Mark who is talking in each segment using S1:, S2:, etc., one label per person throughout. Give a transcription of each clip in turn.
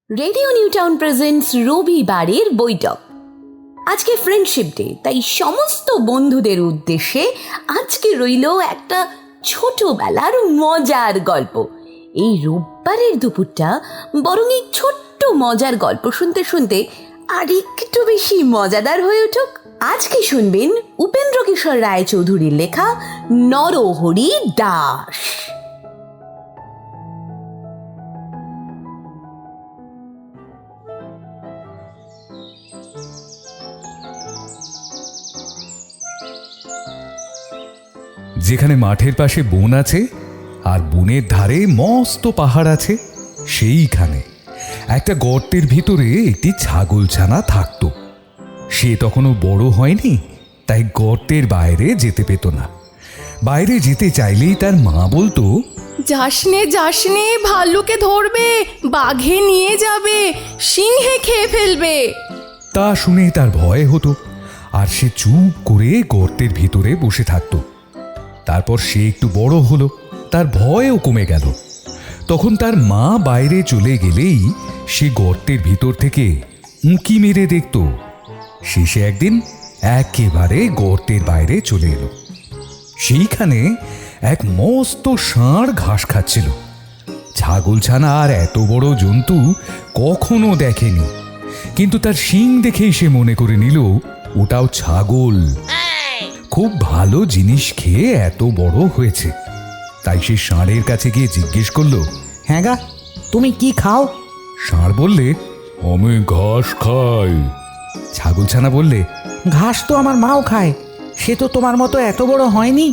S1: Radio new town presents রবিবারের বৈঠক। আজকে ফ্রেন্ডশিপ ডে, তাই সমস্ত বন্ধুদের উদ্দেশ্যে আজকে রইল একটা ছোটবেলার মজার গল্প। এই রোববারের দুপুরটা বরং এই ছোট্ট মজার গল্প শুনতে শুনতে আর একটু বেশি মজাদার হয়ে উঠুক। আজকে শুনবেন উপেন্দ্র কিশোর রায়চৌধুরীর লেখা নরহরি দাস।
S2: যেখানে মাঠের পাশে বন আছে আর বনের ধারে মস্ত পাহাড় আছে, সেইখানে একটা গর্তের ভিতরে একটি ছাগলছানা থাকতো। সে তখনও বড় হয়নি, তাই গর্তের বাইরে যেতে পেত না। বাইরে যেতে চাইলেই তার মা বলতো,
S3: যাসনে যাসনে, ভাল্লুকে ধরবে, বাঘে নিয়ে যাবে, সিংহে খেয়ে ফেলবে।
S2: তা শুনে তার ভয় হতো আর সে চুপ করে গর্তের ভিতরে বসে থাকতো। তারপর সে একটু বড় হলো, তার ভয়ও কমে গেল। তখন তার মা বাইরে চলে গেলেই সে গর্তের ভিতর থেকে উঁকি মেরে দেখত। শেষে একদিন একেবারে গর্তের বাইরে চলে এলো। সেইখানে এক মস্ত ষাঁড় ঘাস খাচ্ছিল। ছাগলছানা আর এত বড় জন্তু কখনো দেখেনি, কিন্তু তার শিং দেখেই সে মনে করে নিল ওটাও ছাগল। খুব ভালো জিনিস খেয়ে এত বড় হয়েছে। তাই সে ষাঁড়ের কাছে গিয়ে জিজ্ঞেস করলো,
S4: হ্যাঁ গা, তুমি কি খাও?
S2: ষাঁড় বললে, আমি ঘাস খাই। ছাগলছানা বললে,
S4: ঘাস তো আমার মাও খায়, সে তো তোমার মতো এত বড় হয়নি।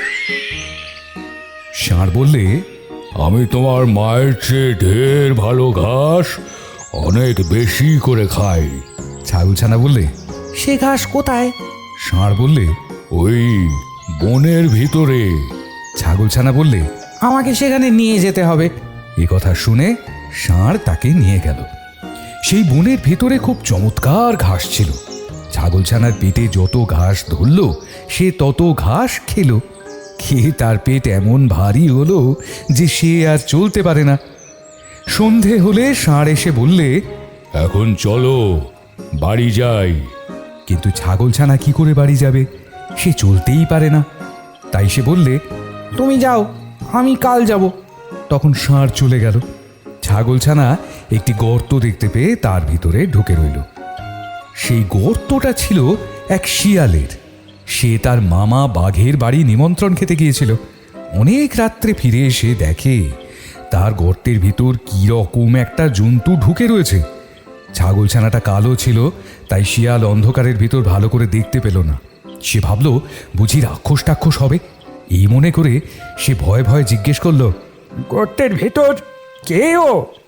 S2: ষাঁড় বললে, আমি তোমার মায়ের চেয়ে ঢের ভালো ঘাস অনেক বেশি করে খাই। ছাগলছানা বললে,
S4: সে ঘাস কোথায়?
S2: ষাঁড় বললে, ওই বনের ভিতরে। ছাগলছানা বললে,
S4: আমাকে সেখানে নিয়ে যেতে হবে।
S2: এ কথা শুনে ষাঁড় তাকে নিয়ে গেল। সেই বনের ভিতরে খুব চমৎকার ঘাস ছিল। ছাগলছানার পেটে যত ঘাস ধরল সে তত ঘাস খেলো। খেয়ে তার পেট এমন ভারী হলো যে সে আর চলতে পারে না। সন্ধে হলে ষাঁড় এসে বললে, এখন চলো বাড়ি যাই। কিন্তু ছাগলছানা কি করে বাড়ি যাবে? সে চলতেই পারে না। তাই সে বললে,
S4: তুমি যাও, আমি কাল যাব।
S2: তখন ষাঁড় চলে গেল। ছাগলছানা একটি গর্ত দেখতে পেয়ে তার ভিতরে ঢুকে রইল। সেই গর্তটা ছিল এক শিয়ালের। সে তার মামা বাঘের বাড়ি নিমন্ত্রণ খেতে গিয়েছিল। অনেক রাত্রে ফিরে এসে দেখে তার গর্তের ভিতর কি রকম একটা জন্তু ঢুকে রয়েছে। ছাগলছানাটা কালো ছিল, তাই শিয়াল অন্ধকারের ভিতর ভালো করে দেখতে পেল না। সে ভাবল বুঝি রাক্ষস টাক্ষস হবে। এই মনে করে সে ভয়ে ভয়ে জিজ্ঞেস করলো,
S4: গর্তের ভেতর কে ও?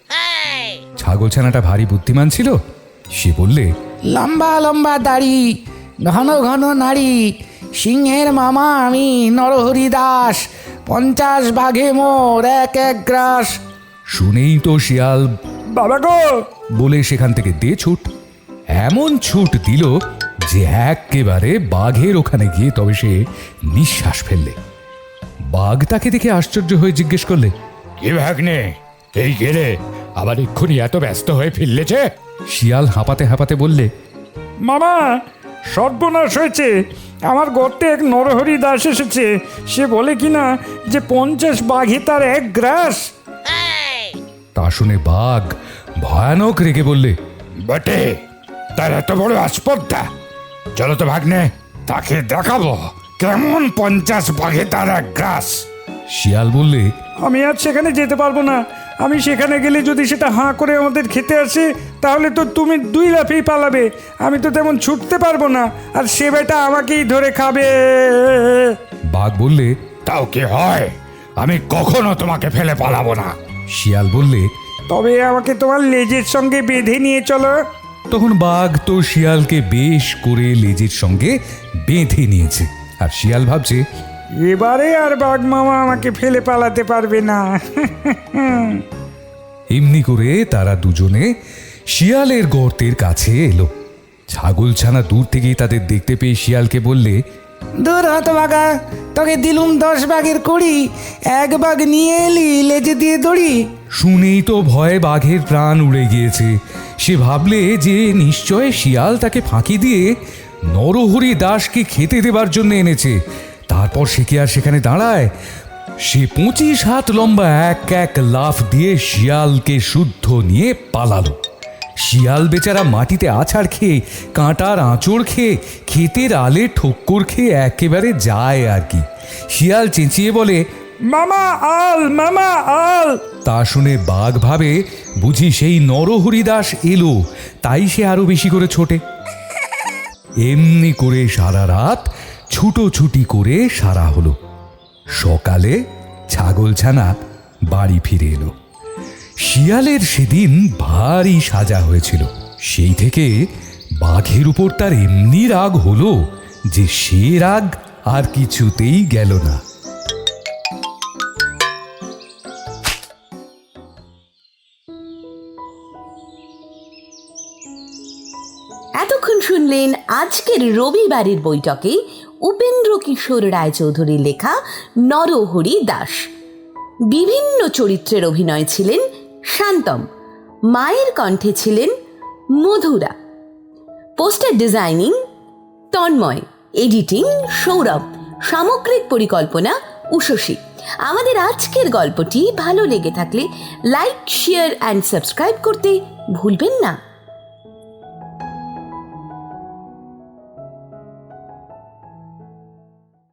S2: ছাগলছানাটা ভারী বুদ্ধিমান ছিল। সে বললে,
S4: লম্বা লম্বা দাড়ি, ঘন ঘন নাড়ি, সিংহের মামা আমি নরহরি দাস, 50 বাঘে মোর এক এক গ্রাস।
S2: শুনেই তো শিয়াল
S4: বাবা গো
S2: বলে সেখান থেকে দে ছুট। এমন ছুট দিল যে একেবারে বাঘের ওখানে গিয়ে তবে সে নিঃশ্বাস ফেললে। বাঘ তাকে দেখে আশ্চর্য হয়ে জিজ্ঞেস করলে,
S5: কি ভাগ্নে, এই গেলে আবার এক্ষুনি এত ব্যস্ত হয়ে ফিরলেছে?
S2: শিয়াল হাঁপাতে হাঁপাতে বললে,
S6: মামা, সর্বনাশ হয়েছে। আমার গর্তে এক নরহরি দাস এসেছে। সে বলে কিনা যে 50 বাঘে তার এক গ্রাস।
S2: তা শুনে বাঘ ভয়ানক রেগে বললে,
S5: বটে, তার এত বড় আস্পর্ধা। চলো তো ভাগ্নে, তাকে দেখাবো কেমন 50 বাঘে তার এক গ্রাস।
S2: শিয়াল বললে,
S6: আমি আজ সেখানে যেতে পারবো না। আমি সেখানে গেলে যদি সেটা হাঁ করে আমাদের খেতে আসে, তাহলে তো তুমি 2 লাফেই পালাবে। আমি তো তেমন ছুটতে পারবো না, আর সে বেটা আমাকেই ধরে খাবে।
S2: বাঘ বললে,
S5: তাও কি হয়, আমি কখনো তোমাকে ফেলে পালাবো না।
S2: শিয়াল বললে,
S6: তবে আমাকে তোমার লেজের সঙ্গে বেঁধে নিয়ে চলো।
S2: তখন বাঘ তো শিয়ালকে বেশ করে লেজের সঙ্গে বেঁধে নিয়েছে। আর শিয়াল ভাবছে,
S6: এবারে আর বাঘ মামা আমাকে ফেলে পালাতে পারবে না।
S2: এমনি করে তারা দুজনে শিয়ালের গর্তের কাছে এলো। ছাগলছানা দূর থেকেই তাদের দেখতে পেয়ে শিয়ালকে বললে,
S4: দূর হতভাগা, তোকে দিলুম 10 বাঘের কড়ি, 1 বাঘ নিয়ে এলি লেজে দিয়ে দড়ি।
S2: শুনেই তো ভয়ে বাঘের প্রাণ উড়ে গিয়েছে। সে ভাবলে যে নিশ্চয় শিয়াল তাকে ফাঁকি দিয়ে নরহরি দাসকে খেতে দেবার জন্য এনেছে। তারপর সে কি আর সেখানে দাঁড়ায়? সে 25 হাত লম্বা এক লাফ দিয়ে শিয়ালকে শুদ্ধ নিয়ে পালালো। শিয়াল বেচারা মাটিতে আছাড় খেয়ে, কাঁটার আঁচড় খেয়ে, ক্ষেতের আলে ঠোক্কর খেয়ে একেবারে যায় আর কি। শিয়াল চেঁচিয়ে বলে,
S6: মামা আল, মামা আল।
S2: তা শুনে বাঘ ভাবে বুঝি সেই নরহরিদাস এলো, তাই সে আরো বেশি করে ছোটে। এমনি করে সারা রাত ছুটোছুটি করে সারা হলো। সকালে ছাগলছানা বাড়ি ফিরে এলো। শিয়ালের সেদিন ভারী সাজা হয়েছিল। সেই থেকে বাঘের উপর তার এমনি রাগ হলো যে সে রাগ আর কিছুতেই গেল না।
S1: এতক্ষণ শুনলেন আজকের রবিবারের বৈঠকে উপেন্দ্র কিশোর রায়চৌধুরীর লেখা নরহরি দাস। বিভিন্ন চরিত্রের অভিনয় ছিলেন শান্তম, মায়ের কণ্ঠে ছিলেন Madhura, poster designing Tanmoy, editing Sourav, সামগ্রিক পরিকল্পনা উষসী। আমাদের আজকের গল্পটি ভালো লেগে থাকলে লাইক, শেয়ার অ্যান্ড সাবস্ক্রাইব করতে ভুলবেন না।